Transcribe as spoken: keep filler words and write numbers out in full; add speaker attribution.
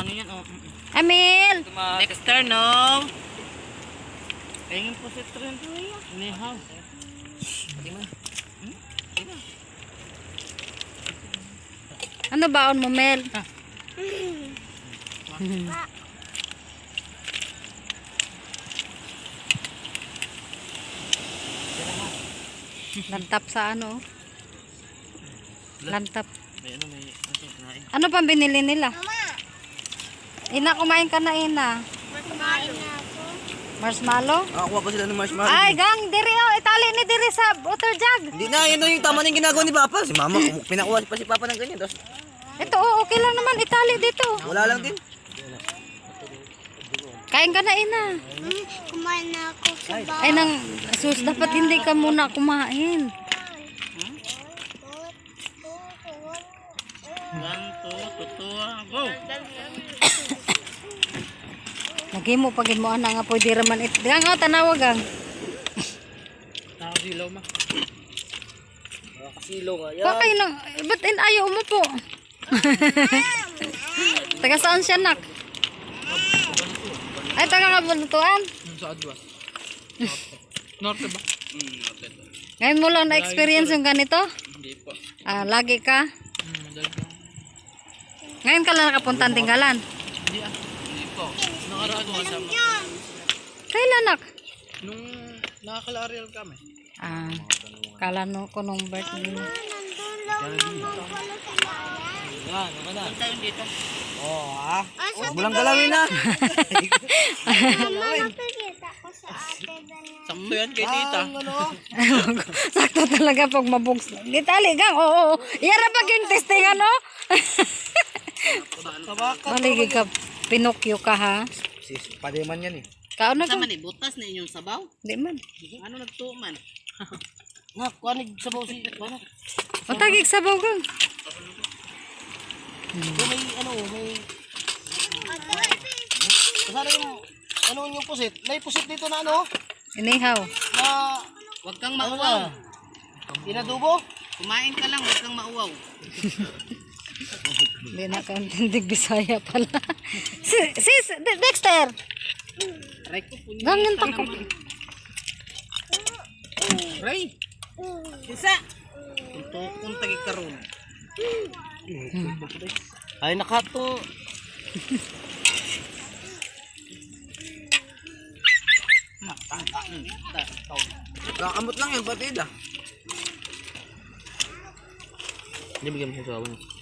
Speaker 1: ano yan, oh.
Speaker 2: Amil!
Speaker 1: Next turn, no? Pahingin po si Tren. Nihaw. Pati mo.
Speaker 2: Ano baon mo, Mel?
Speaker 1: Ah.
Speaker 2: Lantap sa ano? Lantap.
Speaker 1: May ano, may ano kinain.
Speaker 2: Ano pang binili nila? Ina, kumain ka na, Ina.
Speaker 3: Kumain na ako.
Speaker 2: Marshmallow?
Speaker 4: Nakakuha pa sila ng marshmallow.
Speaker 2: Ay, gang, diri oh, itali ni diri sa water jug.
Speaker 4: Hindi na, yun yung tama na yung ginagawa ni Papa. Si Mama, kum- pinakuha pa si Papa ng ganyan. Tapos,
Speaker 2: Ito, oh, okay lang naman itali dito.
Speaker 4: wala lang din.
Speaker 2: Kain ka na, Ina.
Speaker 3: Hmm, kumain na ako sa bahay.
Speaker 2: Ay, nang, sus, dapat hindi ka muna kumain.
Speaker 1: One, two, tutua, go!
Speaker 2: Lagi mo, pagin mo, ana nga, pwede raman it. Gang, oh, tanawag, gang.
Speaker 1: Nakasilaw ma.
Speaker 4: Nakasilaw nga.
Speaker 2: Kuha kayo ng, ba't in ayaw mo po? Taga saan siya, nak? Ay, taga kabuntuan.
Speaker 1: Sa Adwas. Norte ba? Hmm, norte.
Speaker 2: Ngayon mo lang na-experience yung ganito?
Speaker 1: Hindi po.
Speaker 2: Ah, lagi ka?
Speaker 1: Hmm, madali po.
Speaker 2: Ngayon ka lang nakapunta ang tinggalan?
Speaker 1: Hindi ah. Hindi po. Nakaraan ko kasama.
Speaker 2: Kailan, nak?
Speaker 1: Nung nakakalareal kami.
Speaker 2: Ah, kala no ko nung birthday.
Speaker 3: Nandun lang naman pala sa bayan.
Speaker 4: Yan, naman na.
Speaker 1: Tayo dito.
Speaker 4: Oo, ah.
Speaker 3: Ah, sa
Speaker 4: Walang galawin na.
Speaker 3: mama, nakikita ko sa ate Dana.
Speaker 1: Sakto yan kay tita.
Speaker 4: ano?
Speaker 2: Sakto talaga pag mabugs. Gitali, gang. Oo, oo. Yara pag yung testing, ano?
Speaker 4: Tabaka.
Speaker 2: Maligi ka, Pinocchio ka, ha?
Speaker 4: Sis, pademan yan eh.
Speaker 2: Kao na ka?
Speaker 1: Sama ni butas na inyong sabaw.
Speaker 2: Di man.
Speaker 1: Ano nagtuman?
Speaker 4: Nak, kuhanig sabaw si... Ano?
Speaker 2: Matagig sabaw, gang.
Speaker 4: May ano, may... Kasara yung... Ano yung pusit? May pusit dito na ano?
Speaker 2: Inihaw.
Speaker 4: Na...
Speaker 1: Huwag kang
Speaker 4: Ano
Speaker 1: mauwaw.
Speaker 4: na? Inadubo?
Speaker 1: Kumain ka lang, huwag kang mauwaw.
Speaker 2: Hindi na kauntindig Bisaya pala. Sis, sis, De- Dexter.
Speaker 1: Aray ko po.
Speaker 2: Ganyan tangkap.
Speaker 1: Aray! Isa! Ito kung tagig karoon.
Speaker 4: Ay, nakato. Nakakamot lang yan, batid ah. Hindi bigyan mo siya sa awan.